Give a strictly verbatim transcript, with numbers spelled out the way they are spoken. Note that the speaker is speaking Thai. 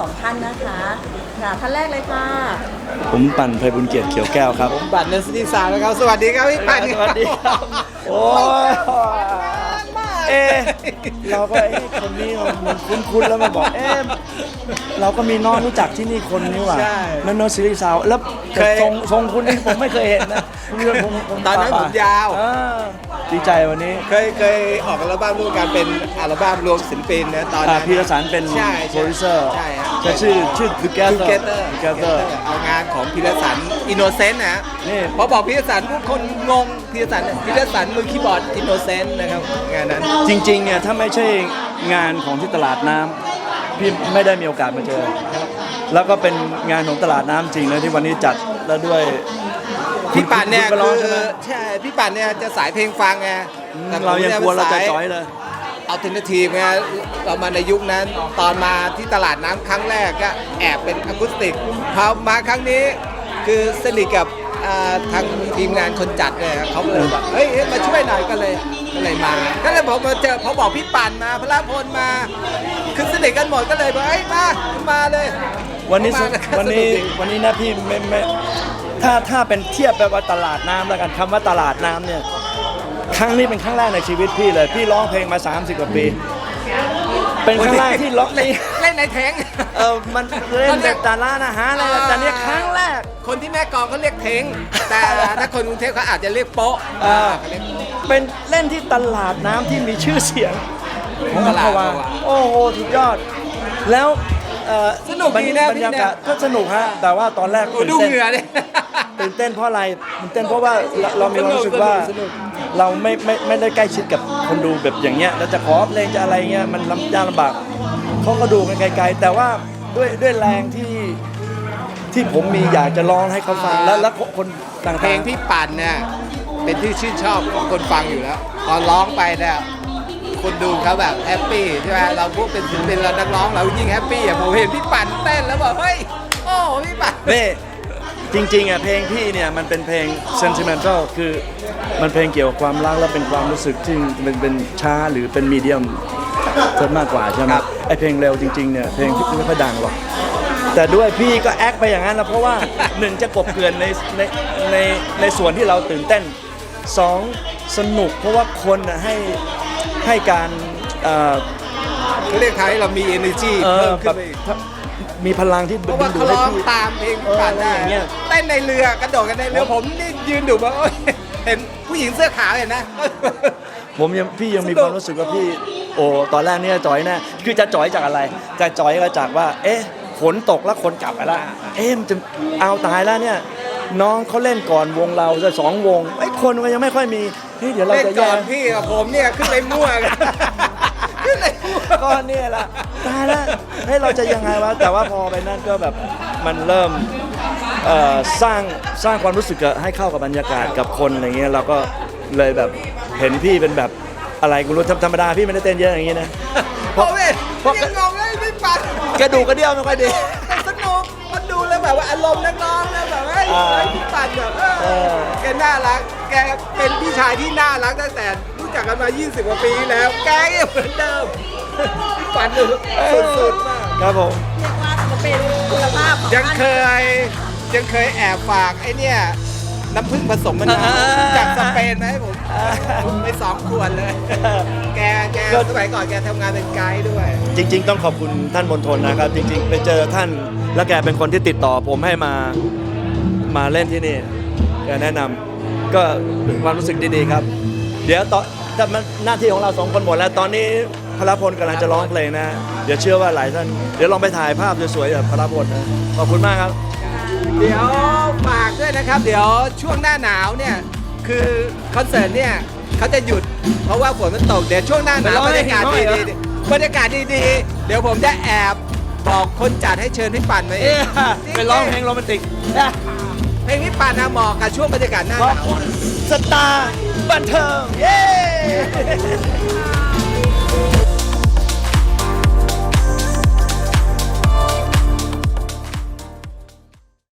องท่านนะคะค่ะท่านแรกเลยค่ะผมปั่นไพบุญเกียรติเขียวแก้วครับผมบัตรเนสติสาวนะครับสวัสดีครับพี่ปั่นสวัสดีครับโอ้ยเอ๊ะเราก็เอ๊ะคนนี้มันคุ้นๆแล้วมาบอกเอ๊ะเราก็มีน้องรู้จักที่นี่คนนี้ว่ะนั่นโนซิลิซาวแล้วทรงทรงคุณนี่ผมไม่เคยเห็นนะตอนนั้นผมยาวดีใจวันนี้เคยเคยออกอัลบั้มร่วมกันเป็นอัลบั้มรวมศิลปินนะตอนนั้นพีรสันเป็นใช่โปรดิวเซอร์ใช่ฮะจะชื่อชื่อ Together Together Together เอางานของพีรสันอินโนเซนต์นะนี่พอบอกพีรสันทุกคนงงพีรสันพีรสันมือคีย์บอร์ดอินโนเซนต์นะครับงานนั้นจริงๆเนี่ยถ้าไม่ใช่งานของที่ตลาดน้ำพี่ไม่ได้มีโอกาสมาเจอ แล้วก็เป็นงานของตลาดน้ำจริงนะที่วันนี้จัดแล้วด้วยพี่ปั่นเนี่ยคุณก็ร้คือ องใช่ไหมใช่พี่ปั่นเนี่ยจะสายเพลงฟังไงแต่ผมเรายังนี่กลัวเราจะสจ้อยเลยอัลเทอร์เนทีฟไงเรามาในยุคนั้นตอนมาที่ตลาดน้ำครั้งแรกก็แอบเป็นอะคูสติกพอมาครั้งนี้คือสนิทกับอ่าทางทีมงานคนจัดเนี่ยเขาก็เลยแบบเฮ้ยเฮ้ยมาช่วยหน่อยก็เลยก็เลยมาก็เลยบอกมาเจอเขาบอกพี่ปั่นมาพระพลมาคือสนิทกันหมดก็เลยบอกเฮ้ยมามาเลยวันนี้มากัวันนี้สกดีวันนี้นะพี่ไม่ไม่ถ้าถ้าเป็นเทียบแบบว่าตลาดน้ำแล้วกันคำว่าตลาดน้ำเนี่ยครั้งนี้เป็นครั้งแรกในชีวิตพี่เลย พี่ร้องเพลงมาสามสิบกว่าปี เป็นครั้งแรกที่ร้องในเล่นในแทงเออมันเล่นแต่ตร้านอาหารอะไรนะแต่เนี่ยครั้งแรกคนที่แม่กลองเขาเรียกเทงแต่ถ้าคนกรุงเทพเขาอาจจะเรียกโป๊ะเออเขาเรียกโป๊ะเป็นเล่นที่ตลาดน้ำที่มีชื่อเสียงของตอัมลาพดวาอัมพวาโอ้โหสุดยอด แล้วเอ่อสนุกดีนะบรรยากาศพี่นะก็สนุกฮะแต่ว่าตอนแรกโอ้ตื่นดูเต้นเหงื่อเนี่ยตื่นเต้นเพราะอะไรตื่นเต้นเพราะว่าเราเรามีความรู้สึกว่าสนุกเราไม่ไม่ไม่ได้ใกล้ชิดกับคนดูแบบอย่างเงี้ยแล้วจะขอเพลงจะอะไรเงี้ยมันลำยากลำบากเขาก็ดูกันไกลๆแต่ว่าด้วยด้วยแรงที่ที่ผมมีอยากจะร้องให้เขาฟังแล้วแล้วคนต่างๆเพลงพี่ปั่นเนี่ยเป็นที่ชื่นชอบของคนฟังอยู่แล้วตอนร้องไปเนี่ยคนดูเขาแบบแฮปปี้ใช่ไหมเราพวกเป็นศิลปินเรานักร้องเรายิ่งแฮปปี้อ่ะผมเห็นพี่ปั่นเต้นแล้วบอกเฮ้ยโอ้พี่ปั่นนี่จริงๆอ่ะเพลงพี่เนี่ยมันเป็นเพลง sentimental คือมันเพลงเกี่ยวกับความรักและเป็นความรู้สึกที่เป็นเป็นช้าหรือเป็นมีเดียมซะมากกว่าใช่ไหมไอเพลงเร็วจริงๆเนี่ยเพลงพี่ไม่ค่อยดังหรอกแต่ด้วยพี่ก็แอคไปอย่างนั้นนะเพราะว่า หนึ่งจะกบเกลื่อนในในในในส่วนที่เราตื่นเต้นสองสนุกเพราะว่าคนน่ะให้ให้การเอ่อเขาเรียกไทยเรามี energy เออเพิ่มแบขึ้นบไปอีกมีพลังที่เพราะว่าเขาร้องตามเพลงพี่ปั่นได้เอออะไรอย่างเงี้ยเต้นในเรือกระโดดกันในเรือผมนี่ยืนดูแบบโอ๊ยเห็นผู้หญิงเสื้อขาวเห็นนะผมยังพี่ยังมีสนุกความรู้สึกว่าพี่โอ้ตอนแรกเนี่ยจ่อยแน่คือจะจ่อยจากอะไรจะจ่อยก็จากว่า เอ๊ะฝนตกแล้วคนกลับไปแล้วเอ๊ะมันจะเอาตายแล้วเนี่ยน้องเขาเล่นก่อนวงเราจะสองวงไอ้คนมันยังไม่ค่อยมีเฮ้ยเดี๋ยวเราเล่นจะก่แย่อนพี่กับผมเนี่ยขึ้นไปมั่วกันขึ้นไปมั่วก็เนี่ยแหละตายแล้วเฮ้ยเราจะยังไงวะแต่ว่าพอไปนั่นก็แบบมันเริ่มเอ่อสร้างสร้างความรู้สึกให้เข้ากับบรรยากาศกับคนอะไรเงี้ยเราก็เลยแบบเห็นพี่เป็นแบบอะไรกูรู้ธรรมดาพี่ไม่ได้เต้นเยอะอย่างงี้นะเพราะเว้ยยังงงเลยไม่ปั่นกระดูกกระเดี่ยวไม่ค่อยดีแต่สนุกมันดูแล้วแบบว่าอารมณ์นักร้องแล้วแบบว่าอ่าเฮ้ยพี่ปั่นแบบเอเอออแกน่ารัก แกเป็นพี่ชายที่น่ารักตั้งแต่รู้จักกันมา ยี่สิบ กว่าปีแล้ว แกก็ยังเหมือนเดิมพี่ปั่นดูสุดๆมากครับผมเรียกว่าจะเป็นคุณภาพของยังท่านเคยยังเคยแอบฝากไอ้เนี่ยน้ำผึ้งผสมมะนาวอ่าจากสเปนมาให้ผมผมไปสองขวดเลย แกแกสมัยก่อนแกทำงานเป็นไกด์ด้วยจริง ๆ ต้องขอบคุณท่านมณฑลนะครับ จริง ๆ ไปเจอท่านแล้วแกเป็นคนที่ติดต่อผมให้มามาเล่นที่นี่แกแนะนำก็เป็นความรู้สึกดีๆครับ เดี๋ยวต่อถ้ามันหน้าที่ของเราสองคนหมดแล้วตอนนี้พลพลกำลังจะร้องเพลงนะ เดี๋ยวเชื่อว่าหลายท่านเดี๋ยวลองไปถ่ายภาพสวยๆกับพลพลนะขอบคุณมากครับเดี๋ยวฝากด้วยนะครับ เดี๋ยวช่วงหน้าหนาวเนี่ยคือคอนเสิร์ตเนี่ยเขาจะหยุดเพราะว่าฝนมันตกเดี๋ยวช่วงหน้าหนาวไปร้องบรรยากาศให้เห็นหน่อยเหรดีอๆบรรยากาศดีๆเดี๋ยวผมจะแอบบอกคนจัดให้เชิญพี่ปั่นมาเอเอ๊ะงไปร้องเพลงโรแมนติกเพลงพี่ปั่นนะเหมาะกับช่วงบรรยากาศหน้าขหอบนาวคุณสตาร์บันเทิงเย้